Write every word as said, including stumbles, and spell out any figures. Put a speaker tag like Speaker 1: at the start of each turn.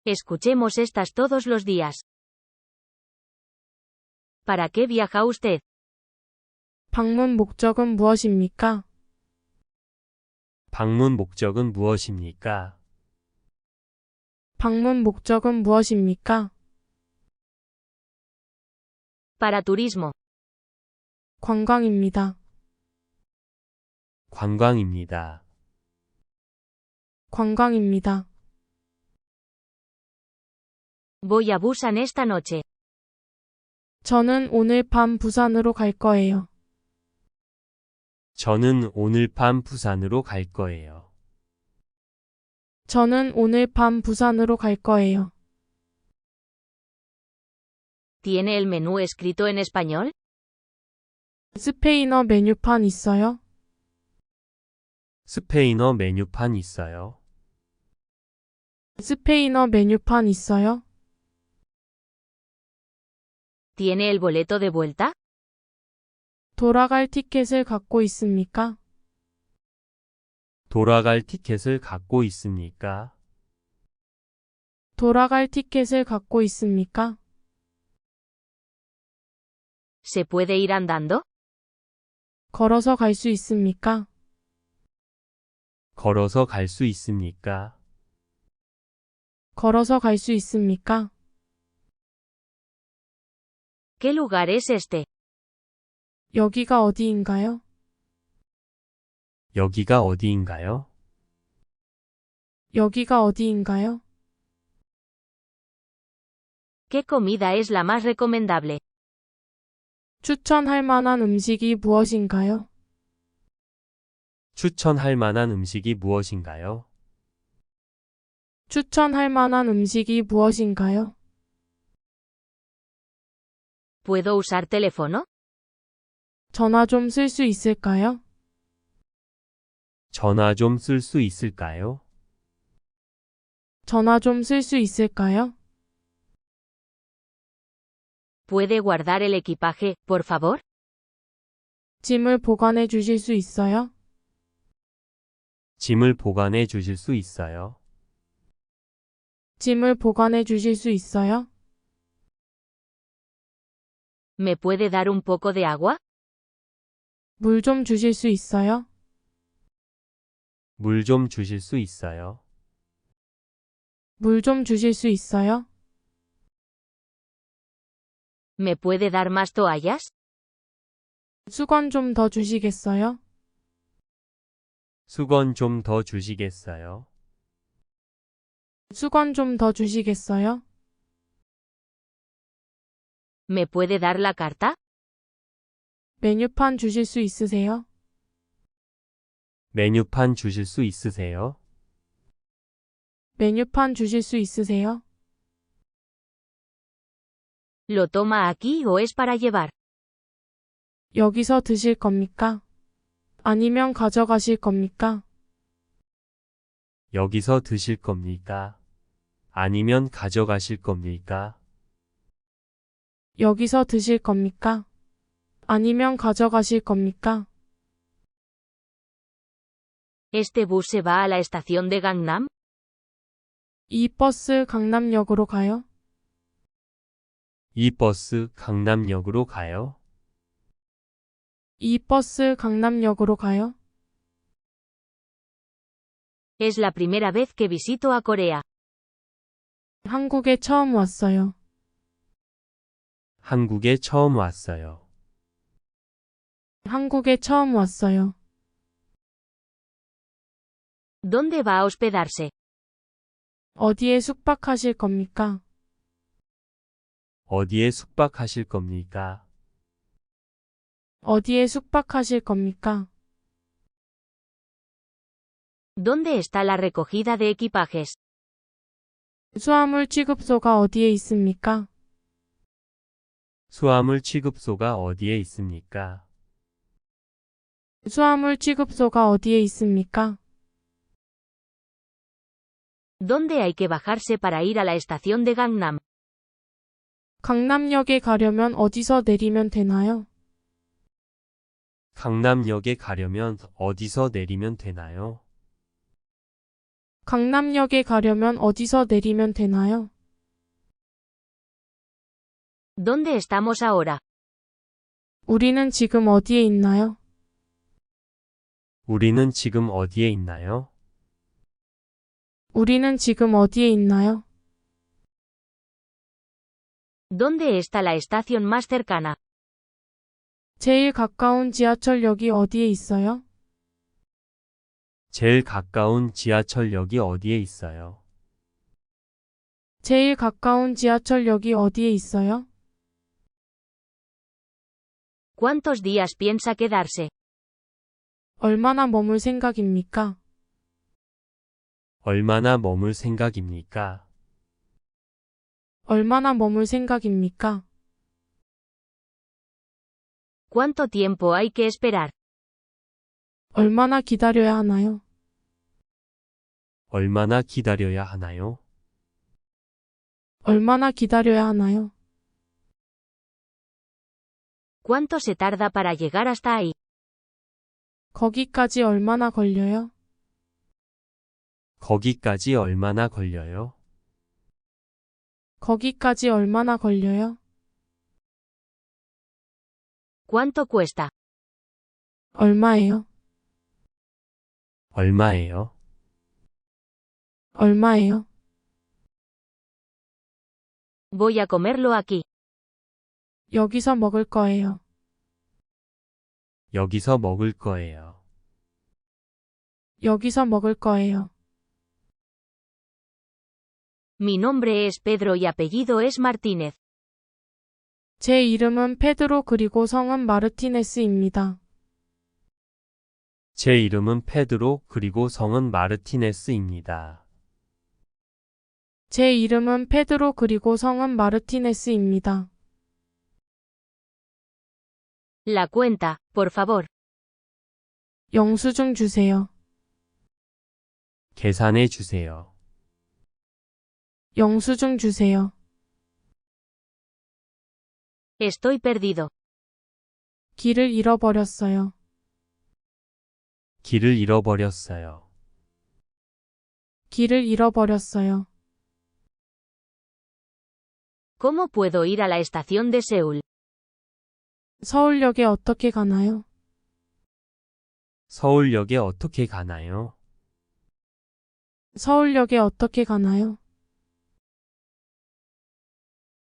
Speaker 1: Escuchemos estas todos los días. ¿Para qué viaja usted?
Speaker 2: 방문 목적은 무엇입니까?
Speaker 3: 방문 목적은 무엇입니까?
Speaker 2: 방문 목적은 무엇입니까?
Speaker 1: Para turismo.
Speaker 2: 관광입니다.
Speaker 3: 관광입니다.
Speaker 2: 관광입니다.
Speaker 1: Voy a Busan esta noche.
Speaker 2: 저는 오늘 밤 부산으로 갈 거예요.
Speaker 3: 저는 오늘 밤 부산으로 갈 거예요.
Speaker 2: 저는 오늘 밤 부산으로 갈 거예요.
Speaker 1: ¿Tiene el menú escrito en español?
Speaker 2: 스페인어 메뉴판 있어요?
Speaker 3: 스페인어 메뉴판 있어요?
Speaker 2: 스페인어 메뉴판 있어요?
Speaker 1: ¿Tiene el boleto de vuelta?
Speaker 2: 돌아갈 티켓을 갖고 있습니까?
Speaker 3: 돌아갈 티켓을 갖고 있습니까?
Speaker 2: 돌아갈 티켓을 갖고 있습니까?
Speaker 1: ¿Se puede ir andando?
Speaker 2: 걸어서 갈 수 있습니까?
Speaker 3: 걸어서 갈 수 있습니까?
Speaker 2: 걸어서 갈 수 있습니까?
Speaker 1: ¿Qué lugar es este?
Speaker 2: 여기가 어디인가요?
Speaker 3: 여기가 어디인가요?
Speaker 2: 여기가 어디인가요?
Speaker 1: ¿Qué comida es la más recomendable?
Speaker 2: 추천할 만한 음식이 무엇인가요?
Speaker 3: 추천할 만한 음식이 무엇인가요?
Speaker 2: 추천할 만한 음식이 무엇인가요?
Speaker 1: ¿Puedo usar teléfono?
Speaker 2: 전화 좀 쓸 수 있을까요?
Speaker 3: 전화 좀 쓸 수 있을까요?
Speaker 2: 전화 좀 쓸 수 있을까요?
Speaker 1: ¿Puede guardar el equipaje, por favor?
Speaker 2: 짐을 보관해 주실 수 있어요?
Speaker 3: 짐을 보관해 주실 수 있어요?
Speaker 2: 짐을 보관해 주실 수 있어요?
Speaker 1: ¿Me puede dar un poco de agua?
Speaker 2: 물 좀 주실 수 있어요?
Speaker 3: 물 좀 주실 수 있어요?
Speaker 2: 물 좀 주실 수 있어요?
Speaker 1: ¿Me puede dar más toallas?
Speaker 2: 수건 좀 더 주시겠어요?
Speaker 3: 수건 좀 더 주시겠어요?
Speaker 2: 수건 좀 더 주시겠어요?
Speaker 1: ¿Me puede dar la carta?
Speaker 2: 메뉴판 주실 수 있으세요?
Speaker 3: 메뉴판 주실 수 있으세요?
Speaker 2: 메뉴판 주실 수 있으세요?
Speaker 1: ¿Lo toma aquí o es para llevar?
Speaker 2: 여기서 드실 겁니까? 아니면 가져가실 겁니까?
Speaker 3: 여기서 드실 겁니까? 아니면 가져가실 겁니까?
Speaker 2: 여기서 드실 겁니까? 아니면 가져가실 겁니까?
Speaker 1: ¿Este bus se va a la estación de Gangnam?
Speaker 2: 이 버스 강남역으로 가요?
Speaker 3: 이 버스 강남역으로 가요?
Speaker 2: 이 버스 강남역으로 가요?
Speaker 1: Es la primera vez que visito a Corea.
Speaker 2: 한국에 처음 왔어요.
Speaker 3: 한국에 처음 왔어요.
Speaker 2: 한국에 처음 왔어요.
Speaker 1: ¿Dónde va a hospedarse?
Speaker 2: 어디에 숙박하실 겁니까?
Speaker 3: 어디에 숙박하실 겁니까?
Speaker 2: 어디에 숙박하실 겁니까?
Speaker 1: ¿Dónde está la recogida de equipajes?
Speaker 2: 수화물 취급소가 어디에 있습니까?
Speaker 3: 수화물 취급소가 어디에 있습니까?
Speaker 2: 수화물 취급소가 어디에 있습니까?
Speaker 1: ¿Dónde hay que bajarse para ir a la estación de Gangnam?
Speaker 2: 강남역에 가려면 어디서 내리면 되나요?
Speaker 3: 강남역에 가려면 어디서 내리면 되나요?
Speaker 2: 강남역에 가려면 어디서 내리면 되나요?
Speaker 1: ¿Dónde estamos ahora?
Speaker 2: 우리는 지금 어디에 있나요?
Speaker 3: 우리는 지금 어디에 있나요?
Speaker 2: 우리는 지금 어디에 있나요?
Speaker 1: ¿Dónde está la estación más cercana?
Speaker 2: 제일 가까운 지하철역이 어디에 있어요?
Speaker 3: 제일 가까운 지하철역이 어디에 있어요?
Speaker 2: 제일 가까운 지하철역이 어디에 있어요?
Speaker 1: ¿Cuántos días piensa quedarse?
Speaker 2: 얼마나 머물 생각입니까?
Speaker 3: 얼마나 머물 생각입니까?
Speaker 2: 얼마나 머물 생각입니까?
Speaker 1: ¿Cuánto tiempo hay que esperar?
Speaker 2: 얼마나 기다려야 하나요?
Speaker 3: 얼마나 기다려야 하나요?
Speaker 2: 얼마나 기다려야 하나요?
Speaker 1: ¿Cuánto se tarda para llegar hasta ahí?
Speaker 2: 거기까지 얼마나 걸려요?
Speaker 3: 거기까지 얼마나 걸려요?
Speaker 2: 거기까지 얼마나 걸려요?
Speaker 1: ¿Cuánto cuesta?
Speaker 2: 얼마예요?
Speaker 3: 얼마예요?
Speaker 2: 얼마예요?
Speaker 1: Voy a comerlo aquí.
Speaker 2: 여기서 먹을 거예요.
Speaker 3: 여기서 먹을 거예요.
Speaker 2: 여기서 먹을 거예요.
Speaker 1: Mi nombre es Pedro y apellido es Martínez.
Speaker 2: 제 이름은 페드로 그리고 성은 마르티네스입니다.
Speaker 3: 제 이름은 페드로 그리고 성은 마르티네스입니다.
Speaker 2: 제 이름은 페드로 그리고 성은 마르티네스입니다.
Speaker 1: La cuenta, por favor.
Speaker 2: 영수증 주세요.
Speaker 3: 계산해 주세요.
Speaker 2: 영수증 주세요.
Speaker 1: Estoy perdido.
Speaker 2: 길을 잃어버렸어요.
Speaker 3: 길을 잃어버렸어요.
Speaker 2: 길을 잃어버렸어요.
Speaker 1: ¿Cómo puedo ir a la estación de Seúl?
Speaker 2: 서울역에 어떻게 가나요?
Speaker 3: 서울역에 어떻게 가나요?
Speaker 2: 서울역에 어떻게 가나요?